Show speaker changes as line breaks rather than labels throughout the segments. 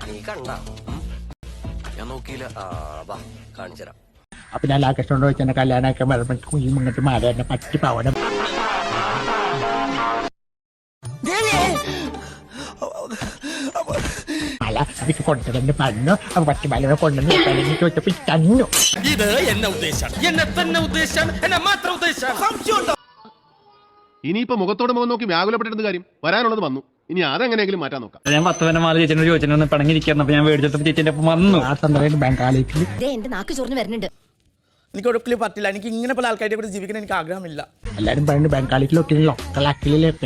നീ കണ്ട ഞാൻ നോക്കിയില്ല. വാ കാണിച്ചു തരാം.
അപ്പൊ ഞാൻ ലാകൃഷ്ണനോട് വെച്ചാൽ കല്യാണമൊക്കെ വരുമ്പോൾ കുഞ്ഞും ഇങ്ങോട്ട് മാറി എന്നെ പറ്റി പവനം അല്ല എനിക്ക് കൊണ്ടുവന്ന് പറഞ്ഞു അപ്പൊ പറ്റി മലയെ കൊണ്ടുവന്ന് ചോദിച്ചപ്പോ തന്നു.
ഇത് എന്നെ ഉദ്ദേശം, എന്നെ തന്നെ ഉദ്ദേശം, എന്നെ മാത്രം ഉദ്ദേശം.
ഇനിയിപ്പോ മുഖത്തോട് മുഖം നോക്കി വ്യാകുലപ്പെട്ടിരുന്ന കാര്യം വരാനുള്ളത് വന്നു. ഇനി അതെങ്ങനെയെങ്കിലും മാറ്റാൻ നോക്കാം.
ഞാൻ 10 മാല ചേച്ചിനോട് ചോദിച്ചിട്ട് പിണങ്ങിരിക്കുന്നു. അപ്പൊ ഞാൻ മേടിച്ചപ്പോ ചേച്ചിന്റെ ഒപ്പം വന്നു.
ആ സന്ദർഭം ബംഗാളിക്ക്
എന്റെ നാക്ക് ചൊറിഞ്ഞ് വരുന്നുണ്ട്.
എനിക്ക് ഒരിക്കലും പറ്റില്ല. എനിക്ക് ഇങ്ങനെ പല ആൾക്കാരുടെ കൂടെ ജീവിക്കാൻ എനിക്ക് ആഗ്രഹമില്ല.
എല്ലാരും പറയുന്നത് ബംഗാളിക്കിലൊക്കെ ലൊക്കലാക്കിലേക്ക്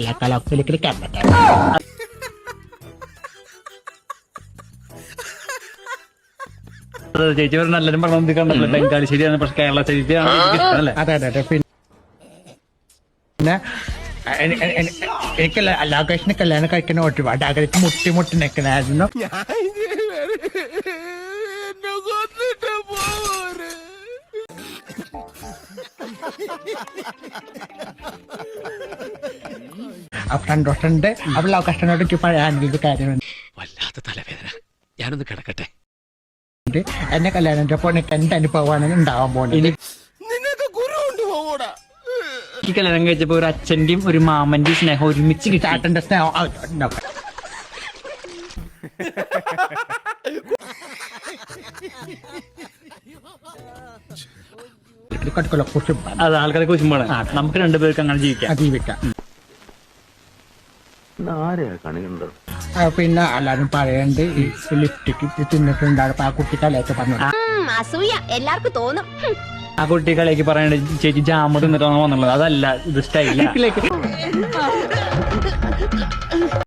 ചേച്ചി പറഞ്ഞ എല്ലാരും പറഞ്ഞു കണ്ടല്ലോ ബംഗാളി ശരിയാണ്, പക്ഷെ കേരള ശരിയാണ് അല്ലേ?
അതെ അതെ അതെ. പിന്നെ എനിക്ക് ലാകേഷിനെ കല്യാണം കഴിക്കുന്ന ഒരുപാട് ആഗ്രഹിച്ച് മുട്ടി നിൽക്കണായിരുന്നു. അപ്പൊ സന്തോഷമുണ്ട്. അപ്പൊ ലാകേഷിനോട് എനിക്ക് പറയാനുള്ള കാര്യമുണ്ട്.
വല്ലാത്ത തലവേദന, ഞാനൊന്ന് കിടക്കട്ടെ.
എന്നെ കല്യാണം എനിക്ക് എന്ത് അനുഭവമാണ് ഉണ്ടാവാൻ പോകുന്നത്.
ഈ കല്യാണം കഴിച്ചപ്പോ ഒരു അച്ഛന്റെയും ഒരു മാമന്റെയും സ്നേഹം ഒരുമിച്ച് കിട്ടി.
ചാട്ടന്റെ സ്നേഹം കുറിച്ച്
അത് ആൾക്കാരെ കുറിച്ചുമ്പോഴാണ് നമുക്ക് രണ്ടുപേർക്ക് അങ്ങനെ ജീവിക്കാം.
ജീവിക്കാം. പിന്നെ എല്ലാരും പറയണ്ട് ഈ ലിപ്സ്റ്റിക്ക് തിന്നിട്ടുണ്ടാകും. ആ കുട്ടി തലയൊക്കെ പറഞ്ഞു.
അസൂയ എല്ലാവർക്കും തോന്നും.
ആ കുട്ടികളേക്ക് പറയണത് ചേച്ചി ജാമ തിന്നിട്ടാണോ വന്നുള്ളത്. അതല്ല, ഇത് സ്റ്റൈല.